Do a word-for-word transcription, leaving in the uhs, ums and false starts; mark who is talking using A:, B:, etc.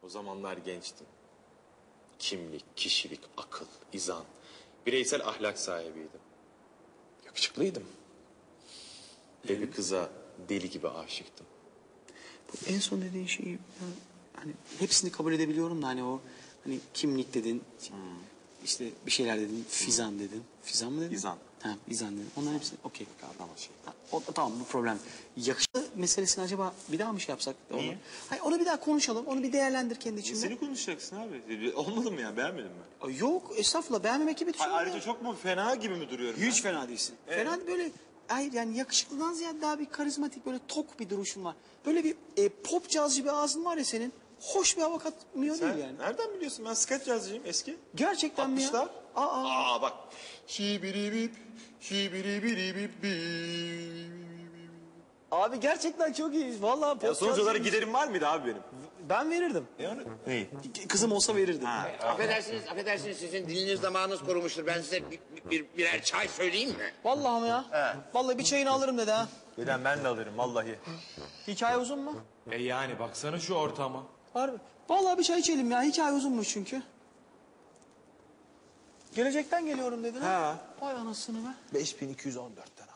A: zamanlar gençtim. Kimlik, kişilik, akıl, izan, bireysel ahlak sahibiydim. Yakışıklıydım. Ve bir kıza deli gibi aşıktım.
B: Bu en son dediğin şeyi ben, hani hepsini kabul edebiliyorum da hani o hani kimlik dedin, hmm. işte bir şeyler dedin, fizan dedin. Fizan mı dedin?
A: İzan.
B: Ha, izan dedin. Onların hepsi okey. Şey. O, tamam bu problem. Yakışıklı meselesini acaba bir daha mı şey yapsak?
A: Niye?
B: Hayır, onu bir daha konuşalım. Onu bir değerlendir kendi içinde.
A: Seni konuşacaksın abi. Olmadı mı ya? Beğenmedin mi?
B: Yok estağfurullah, beğenmemek gibi bir şey
A: Ayrıca ya. Çok mu fena gibi mi duruyorum?
B: Hiç
A: ben?
B: fena değilsin.
A: Ee?
B: Fena böyle, hayır yani yakışıklıdan ziyade daha bir karizmatik, böyle tok bir duruşun var. Böyle bir e, pop cazcı bir ağzın var ya senin. Hoş bir hava katmıyor
A: Sen
B: değil yani.
A: nereden biliyorsun? Ben skeç yazıcıyım eski.
B: Gerçekten mi ya?
A: altmışlar.
B: Aa.
A: Aa bak. Şibiri bip, şibiri biri bip bip.
B: Abi gerçekten çok iyi. Vallahi pop
A: Ya sonuç olarak
B: cazcıymış.
A: giderim var mıydı abi benim?
B: Ben verirdim.
A: Yani neyi?
B: Kızım olsa verirdim.
A: Ha.
C: Affedersiniz, affedersiniz sizin diliniz damağınız kurumuştur. Ben size bir, bir, birer çay söyleyeyim mi?
B: Vallahi mi ya?
A: He.
B: Vallahi bir çayını alırım dedi ha.
A: Neden ben de alırım vallahi.
B: Hikaye uzun mu?
D: E yani baksana şu ortama.
B: Harbi. Vallahi bir çay içelim ya. Hikaye uzunmuş çünkü. Gelecekten geliyorum dedin ha.
A: Ha.
B: Vay anasını be.
A: beş bin iki yüz on dörtten